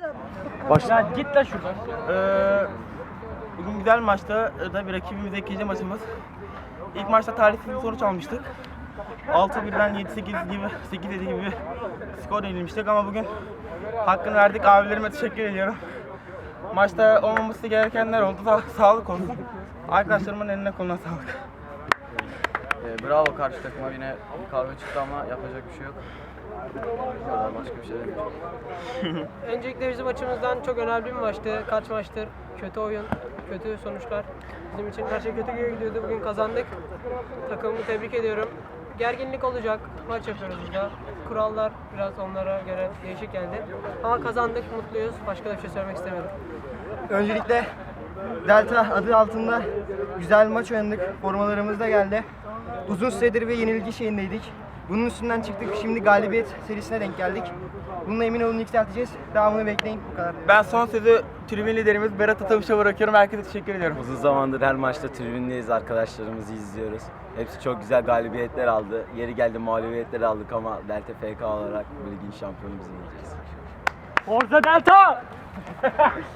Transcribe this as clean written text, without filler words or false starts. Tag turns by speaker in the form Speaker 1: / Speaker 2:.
Speaker 1: Ya git lan şuradan.
Speaker 2: Bugün güzel bir maçtı. Tabii rakibimiz ikinci maçımız. İlk maçta talihsiz bir sonuç almıştık. 6-1'den 7-8 gibi, 8-7 gibi bir skor yenilmiştik ama bugün hakkını verdik. Abilerime teşekkür ediyorum. Maçta olmaması gerekenler oldu. Sağlık olsun. Arkadaşlarımın eline koluna sağlık.
Speaker 3: Bravo karşı takıma, yine kavga çıktı ama yapacak bir şey yok. Başka bir şey demiyorum.
Speaker 4: Öncelikle bizim açımızdan çok önemli bir maçtı. Kaç maçtır kötü oyun, kötü sonuçlar. Bizim için her şey kötü gidiyordu. Bugün kazandık. Takımımı tebrik ediyorum. Gerginlik olacak. Maç yapıyoruz burada. Kurallar biraz onlara göre değişik geldi. Ama kazandık, mutluyuz. Başka da bir şey söylemek istemiyorum.
Speaker 5: Öncelikle Delta adı altında güzel bir maç oynadık. Formalarımız da geldi. Uzun süredir bir yenilgi şeyindeydik. Bunun üstünden çıktık. Şimdi galibiyet serisine denk geldik. Bununla emin olun yükselteceğiz. Devamını bekleyin. Bu kadar.
Speaker 2: Ben son sözü tribün liderimiz Berat Atavuş'a bırakıyorum. Herkese teşekkür ediyorum.
Speaker 6: Uzun zamandır her maçta tribündeyiz, arkadaşlarımızı izliyoruz. Hepsi çok güzel galibiyetler aldı. Yeri geldi mağlubiyetler aldık ama Delta FK olarak bu ligin şampiyonu biz olacağız.
Speaker 1: Forza Delta!